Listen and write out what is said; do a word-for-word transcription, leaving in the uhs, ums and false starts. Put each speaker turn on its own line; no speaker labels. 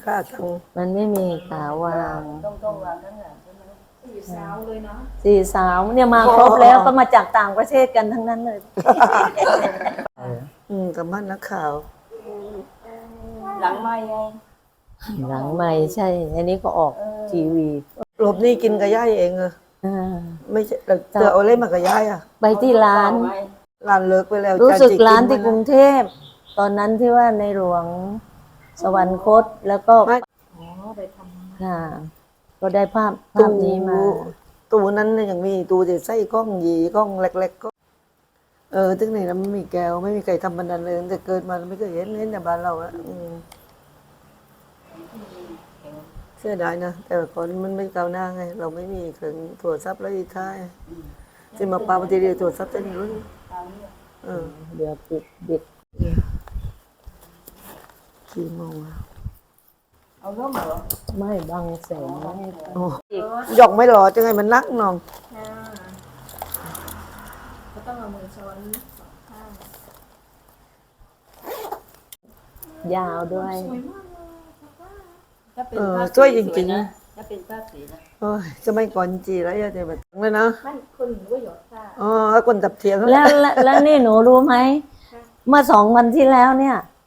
ค่าตังค์
มันไม่มีขาวาง
ต้องต้องวางข้างหลังใช่ไหมสี่สาวเลยเนาะ
สี่สาวเนี่ยมาครบแล้วก็มาจากต่างประเทศกันทั้งนั้นเลย
อืมกับมันนักข่าว
หลังไม่ไง
หลังไม่ใช่ อันนี้ก็ออกทีวี
หลบนี่กินกับย่ายเองเหรอไม่ใช่เจอเอาเล่มากับย่ายอ่ะ
ไปที่ร้าน
ร้านเลิกไปแล้ว
รู้สึกร้านที่กรุงเทพตอนนั้นที่ว่าในหลวงสวรรคตแล้วก็
อ๋อไปทำ
ค่ะก็ได้ภาพภาพนี้มา
ตู้นั้นยังมีตู้ที่ใส่กล้องยีกล้องเล็กๆก็เออตึ้งนี่แล้วไม่มีแก้วไม่มีใครทำบันไดเลยแต่เกิดมาไม่เคยเห็นเห็นแต่บ้านเราอะเสียดายนะแต่ก่อนมันไม่ก้าวหน้าไงเราไม่มีเครื่องโทรศัพท์แล้วอีกท้ายที่มาปาปฏิเดียวโทรศัพท์จะนี่รู้เออ
เดี๋ยวปิดบิด
กี่โมง
เอาร่มเหรอ
ไม่บังแสงไม่ให้
โอ้หยอกไม่หล่อจังไงมันนักน้อง
ก็ต้องเอามือช้อนสองข้าง
ยาวด้วย
เออช่วยจริงๆ
นะถ้าเป็นผ้าสีนะ
โอ้ยจะไม่ก่อนจีแล้วอย่าจะแบบเลยนะ
มันคนก็หยดผ้า
อ๋อแล้วคนจับเทียง
แล้วแล้วนี่หนูรู้ไหมเมื่อสองวันที่แล้วเนี่ย